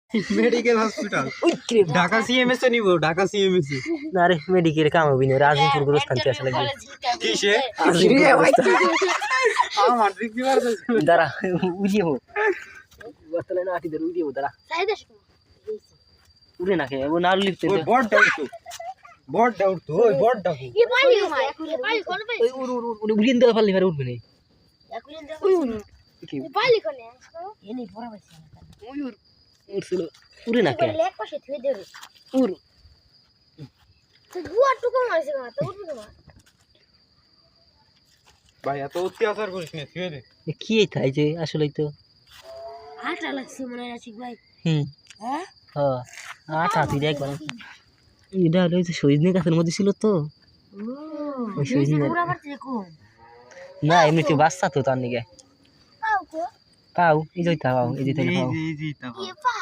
medical hospital Dhaka CMS নিব Dhaka CMS না রে মেডিকেল কাম হবি না রাজনীতির গুরুস্থান কে আসলে কিসে আমার দিকে দাঁড়া উড়িয়ে হো বতলে না আটি ধরে উড়িয়ে হো দাঁড়া উড়ে না কে ও না লিখতে ওই বড় ডাউট তো ওই বড় ডাউট ये पाली माय पाली कौन पे ওই উড় উড়িয়ে দিলে পারলি পারে উঠবে না एकुलिन ये पाली कौन है ये नहीं पूरा बस উড়ছিল উড়ে না কে लेक पासे थुए दे रे উড় तो बुआ टुको मारसे का तो उठ ना ভাই এত অত্যাচার করিস না ছুঁয়ে দে কি এই যে আসলেই তো आटा लगसे मने आशिक भाई হুম हैं হ্যাঁ আটা তুই দেখ বল এটা হলো যে সজনে গাছের মধ্যে ছিল তো ওই সজনে पूरा मत देखो না এমনিতে বাচ্চা তো তার নিকে आओ को পাও এই যে পাও এই যে তাই পাও জি তা ये पा